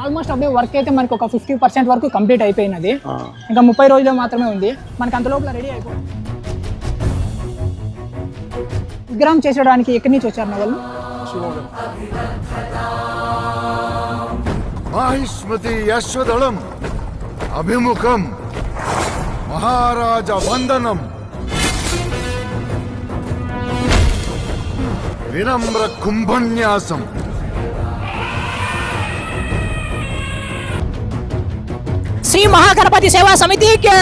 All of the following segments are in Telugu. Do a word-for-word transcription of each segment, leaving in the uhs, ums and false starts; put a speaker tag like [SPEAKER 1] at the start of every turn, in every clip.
[SPEAKER 1] ఆల్మోస్ట్ అబ్బాయి వర్క్ అయితే మనకి ఒక ఫిఫ్టీ పర్సెంట్ వరకు కంప్లీట్ అయిపోయినది. ఇంకా ముప్పై రోజులు మాత్రమే ఉంది. మనకి అంత లోపల రెడీ అయిపోయింది. విగ్రహం చేసేయడానికి ఎక్కడి నుంచి వచ్చారు వాళ్ళు?
[SPEAKER 2] మాహిష్మతి యశ్వదళం అభిముఖం మహారాజ వందనం వినమ్ర కుంభన్యాసం
[SPEAKER 1] శ్రీ మహాగణపతి సేవా సమితికి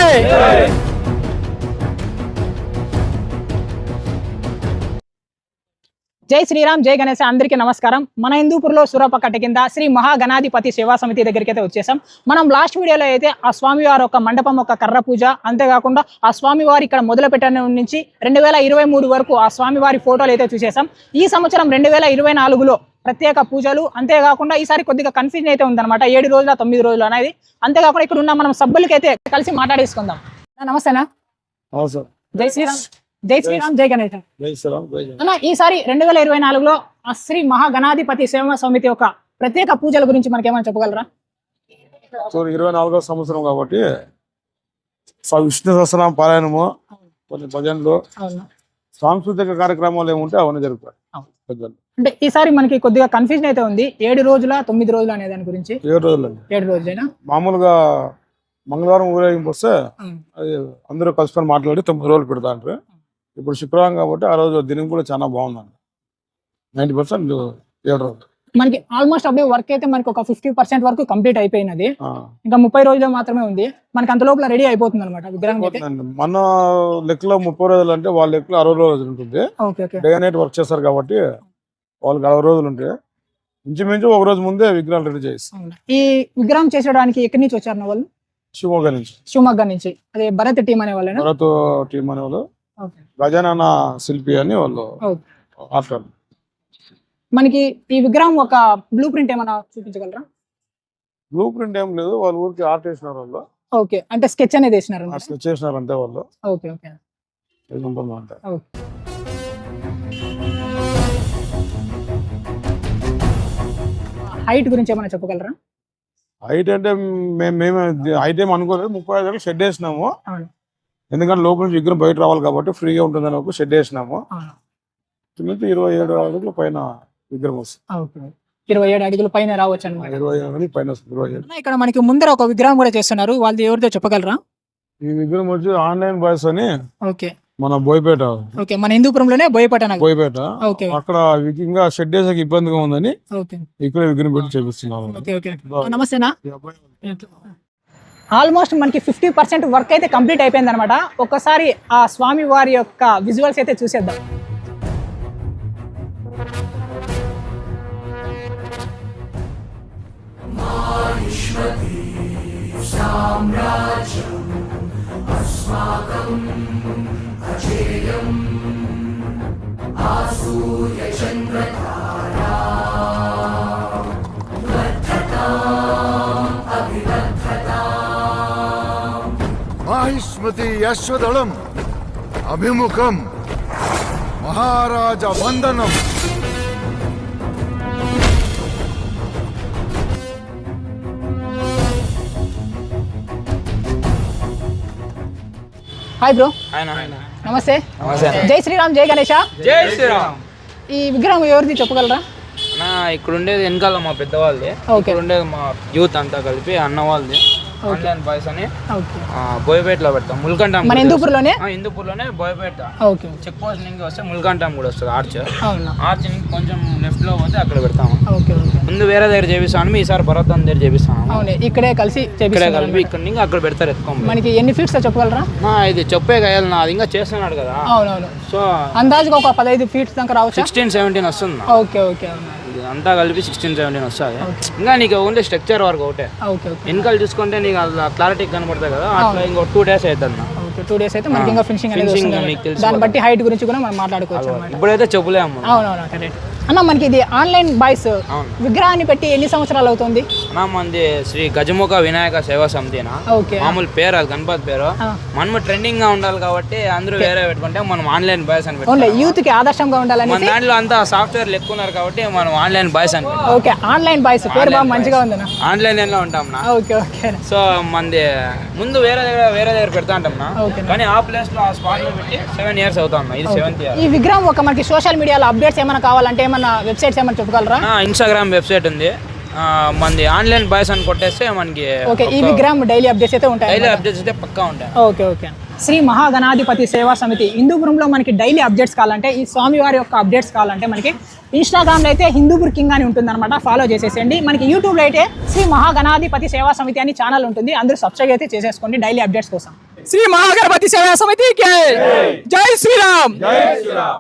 [SPEAKER 1] జై శ్రీరామ్, జై గణేశ. అందరికీ నమస్కారం. మన హిందూపూర్లో సూరపకట్ట కింద శ్రీ మహాగణాధిపతి సేవా సమితి దగ్గరికి అయితే వచ్చేసాం. మనం లాస్ట్ వీడియోలో అయితే ఆ స్వామివారి ఒక మండపం ఒక కర్ర పూజ, అంతేకాకుండా ఆ స్వామివారి ఇక్కడ మొదలు పెట్టిన నుంచి రెండు వేల ఇరవై మూడు వరకు ఆ స్వామివారి ఫోటోలు అయితే చూసేసాం. ఈ సంవత్సరం రెండు వేల ఇరవై నాలుగులో ప్రత్యేక పూజలు, అంతేకాకుండా ఈసారి కొద్దిగా కన్ఫ్యూజన్ అయితే ఉందన్నమాట. ఏడు రోజుల తొమ్మిది రోజులు అనేది. అంతేకాకుండా ఇక్కడ ఉన్న మనం సభ్యులకి అయితే కలిసి మాట్లాడేసుకుందాం. నమస్తేనా. జై శ్రీరామ్, జై శ్రీరామ్, జై గణేశ. అన్న, ఈసారి రెండు వేల ఇరవై నాలుగులో ఆ శ్రీ మహాగణాధిపతి సేవా సమితి యొక్క ప్రత్యేక పూజల గురించి మనకి ఏమైనా చెప్పగలరా?
[SPEAKER 3] సో ఇరవై నాలుగో సంవత్సరం కాబట్టి విష్ణు సహస్రనామ పారాయణము, కొన్ని భజనలు, సాంస్కృతిక కార్యక్రమాలు ఏముంటే అవన్నీ జరుగుతాయి.
[SPEAKER 1] అంటే ఈసారి మనకి కొద్దిగా కన్ఫ్యూజన్ అయితే ఉంది. ఏడు రోజుల తొమ్మిది రోజులు అనే దాని గురించి.
[SPEAKER 3] ఏడు రోజులు
[SPEAKER 1] ఏడు రోజులైనా
[SPEAKER 3] మామూలుగా మంగళవారం ఊరేగింపు వస్తే అది అందరూ కలుసుకొని మాట్లాడి తొమ్మిది రోజులు పెడతా అంటారు. ఇప్పుడు శుక్రవారం కాబట్టి ఆ రోజు దినం కూడా చాలా బాగుందండి. నైన్టీ పర్సెంట్ ఏడు రోజులు
[SPEAKER 1] మనకి ఆల్మోస్ట్ అబ్బాయి వర్క్ అయితే మనకి ఒక ఫిఫ్టీ పర్సెంట్ వరకు కంప్లీట్ అయిపోయినది. ఇంకా ముప్పై రోజులు మాత్రమే ఉంది. మనకి అంత లోపల రెడీ అయిపోతుంది అనమాట విగ్రహం.
[SPEAKER 3] మన లెక్కలో ముప్పై రోజులు అంటే వాళ్ళ లెక్కలో అరవై రోజులు ఉంటుంది. డే నైట్ వర్క్ చేస్తారు కాబట్టి వాళ్ళకి అరవై రోజులు ఉంటాయి. ఇంచుమించు ఒక రోజు ముందే విగ్రహాలు రెడీ చేస్తాం.
[SPEAKER 1] ఈ విగ్రహం చేసేయడానికి ఎక్కడి నుంచి వచ్చారు వాళ్ళు?
[SPEAKER 3] శివమొగ్గ నుంచి.
[SPEAKER 1] శివమొగ్గ నుంచి. అదే భరత్ టీం అనే వాళ్ళు.
[SPEAKER 3] భరత్ టీం అనే వాళ్ళు, గజానన శిల్పి అని వాళ్ళు.
[SPEAKER 1] మనకి ఈ విగ్రహం ఒక బ్లూ ప్రింట్ ఏమైనా చూపించగలరా?
[SPEAKER 3] బ్లూ ప్రింట్ ఏం లేదు, వాళ్ళు ఊరికి ఆర్ట్ వేసినారు వాళ్ళు.
[SPEAKER 1] ఓకే, అంటే స్కెచ్ అనేది వేసినారు.
[SPEAKER 3] స్కెచ్ చేసినారు అంతే వాళ్ళు.
[SPEAKER 1] Okay okay. హైట్ గురించి ఏమైనా చెప్పగలరా?
[SPEAKER 3] హైట్ అంటే మేము మేము హైట్ ఏం అనుకోలేదు. ముప్పై ఐదు షెడ్ వేసినాము. ఎందుకంటే లోపల నుంచి విగ్రహం బయట రావాలి కాబట్టి ఫ్రీగా ఉంటుందని ఒక షెడ్ వేసినాము. ఇరవై ఏడు అడుగుల పైన విగ్రహం వస్తుంది.
[SPEAKER 1] ఇరవై ఏడు అడుగుల పైన రావచ్చు అనమాట.
[SPEAKER 3] ఇరవై ఏడు పైన వస్తుంది. ఇరవై ఏడు.
[SPEAKER 1] ఇక్కడ మనకి ముందర ఒక విగ్రహం కూడా చేస్తున్నారు. వాళ్ళది ఎవరిదో చెప్పగలరా?
[SPEAKER 3] ఈ విగ్రహం వచ్చి ఆన్లైన్ బాయ్స్ అని.
[SPEAKER 1] ఓకే.
[SPEAKER 3] మన బోయపేట.
[SPEAKER 1] ఓకే, మన హిందూపురంలోనే బోయపేట.
[SPEAKER 3] బోయపేట. అక్కడ ఇంకా షెడ్ వేసాక ఇబ్బందిగా ఉందని ఇక్కడ విగ్రహం పెట్టి చేపిస్తున్నాము.
[SPEAKER 1] నమస్తేనా. ఆల్మోస్ట్ మనకి ఫిఫ్టీ పర్సెంట్ వర్క్ అయితే కంప్లీట్ అయిపోయింది అనమాట. ఒక్కసారి ఆ స్వామి వారి యొక్క విజువల్స్ అయితే చూసేద్దాం.
[SPEAKER 2] మాహిష్మతి యశ్వదళం అభిముఖం మహారాజ వందనం
[SPEAKER 1] హాయ్ బ్రో. నమస్తే. జై శ్రీరామ్, జై గణేశ.
[SPEAKER 4] జై శ్రీరామ్.
[SPEAKER 1] ఈ విగ్రహం ఎవరిది చెప్పగలరా?
[SPEAKER 4] ఇక్కడ ఉండేది వెనకాల మా పెద్దవాళ్ళది. ఇక్కడ ఉండేది మా యూత్ అంతా కలిపి అన్న వాళ్ళది. ఆన్లైన్ బాయ్స్ అని బోయపేటలో పెడతాం. ముల్కంటాం
[SPEAKER 1] మన హిందూపూర్లోనే.
[SPEAKER 4] హిందూపూర్లోనే బోయపేట. చెక్ పోస్ట్ నుంచి వస్తే ముల్కంటాం కూడా వస్తుంది. ఆర్చ్ ఆర్చ్ నుంచి కొంచెం లెఫ్ట్ లో పోతే అక్కడ పెడతాము. ముందు వేరే దగ్గర చేపిస్తాను, ఈసారి భరతం దగ్గర చేపిస్తాను.
[SPEAKER 1] ఇక్కడే కలిసి
[SPEAKER 4] ఇక్కడే కలిపి ఇక్కడ నుంచి అక్కడ పెడతారు. ఎత్తుకోండి.
[SPEAKER 1] మనకి ఎన్ని ఫీట్స్ చెప్పగలరా?
[SPEAKER 4] ఇది చెప్పే కాయాలి నా, అది ఇంకా చేస్తున్నాడు కదా.
[SPEAKER 1] అవునవును.
[SPEAKER 4] సో
[SPEAKER 1] అందాజుగా ఒక పదహైదు ఫీట్స్ దాకా రావచ్చు.
[SPEAKER 4] సిక్స్టీన్ సెవెంటీన్ వస్తుంది.
[SPEAKER 1] Okay okay.
[SPEAKER 4] అంతా కలిపి సిక్స్టీన్ సెవెంటీన్ వస్తుంది. ఇంకా నీకు ఓన్లీ స్ట్రక్చర్ వరకు ఒకటే. వెనకాల చూసుకుంటే నీకు క్లారిటీ కనబడతాయి కదా, అట్లా ఇంకో టూ డేస్ అవుతుంది. టూ డేస్ అయితే మనకి ఇంకా ఫినిషింగ్ అనేది వస్తుంది. దాన్ని బట్టి హైట్ గురించి కూడా మనం మాట్లాడుకోవచ్చు. ఇప్పుడైతే చెప్పలేము.
[SPEAKER 1] అవునవును, కరెక్ట్. అన్న మనకి ఇది ఆన్లైన్ బాయ్స్
[SPEAKER 4] అవును.
[SPEAKER 1] విగ్రహాన్ని పెట్టి ఎన్ని సంవత్సరాలు అవుతుంది?
[SPEAKER 4] అన్నా మంది శ్రీ గజముఖ వినాయక సేవా సమితినా
[SPEAKER 1] ఓకే
[SPEAKER 4] మామూలు పేరు అది గణపతి పేరు.
[SPEAKER 1] ఆ.
[SPEAKER 4] మనము ట్రెండింగ్ గా ఉండాలి కాబట్టి అందరూ వేరే పెట్టుకుంటే మనం ఆన్లైన్ బాయ్స్ అని
[SPEAKER 1] ఓన్లీ
[SPEAKER 4] పెట్టుకుంటాం.
[SPEAKER 1] యూత్ కి ఆదర్శంగా ఉండాలని.
[SPEAKER 4] మన దాంట్లో అంతా సాఫ్ట్వేర్ ఎక్కువ ఉన్నారు కాబట్టి మనం ఆన్లైన్ బాయ్స్ అని పెట్టుకుంటాం.
[SPEAKER 1] ఓకే ఆన్లైన్ బాయ్స్ పేరు బాగా మంచిగా ఉందన్న.
[SPEAKER 4] ఆన్లైన్ లో ఉంటాం నా.
[SPEAKER 1] ఓకే ఓకే
[SPEAKER 4] సో మంది ముందు వేరే దగ్గర వేరే దగ్గర పెడతా ఉంటాం నా.
[SPEAKER 1] ఓకే.
[SPEAKER 4] కానీ ఆ ప్లేస్ లో ఆ స్పాట్ లో పెట్టి సెవెన్ ఇయర్స్ అవుతాం నా. ఇది సెవెంత్ ఇయర్.
[SPEAKER 1] ఈ విగ్రహం ఒక మనకి సోషల్ మీడియాలో అప్డేట్స్ ఏమైనా కావాలంటే ఏమైనా వెబ్సైట్స్ ఏమైనా చెప్పగలరా?
[SPEAKER 4] నా ఇన్స్టాగ్రామ్ వెబ్సైట్ ఉంది. ఆ, మనది ఆన్లైన్ బాయ్స్ అని కొట్టేస్తే మనకి
[SPEAKER 1] ఓకే ఈ విగ్రహం డైలీ అప్డేట్స్ అయితే ఉంటాయి.
[SPEAKER 4] డైలీ అప్డేట్స్ అయితే పక్కా ఉంటాయి.
[SPEAKER 1] ఓకే ఓకే శ్రీ మహాగణాధిపతి సేవా సమితి హిందూపురంలో మనకి డైలీ అప్డేట్స్ కావాలంటే ఈ స్వామివారి యొక్క అప్డేట్స్ కావాలంటే మనకి ఇన్స్టాగ్రామ్లో అయితే హిందూపూర్ కింగ్ అని ఉంటుందన్నమాట. ఫాలో చేసేసేయండి. మనకి యూట్యూబ్లో అయితే శ్రీ మహాగణాధిపతి సేవా సమితి అని ఛానల్ ఉంటుంది. అందరూ సబ్స్క్రైబ్ అయితే చేసేసుకోండి డైలీ అప్డేట్స్ కోసం. శ్రీ మహాగణపతి సేవా సమితి జై శ్రీరామ్.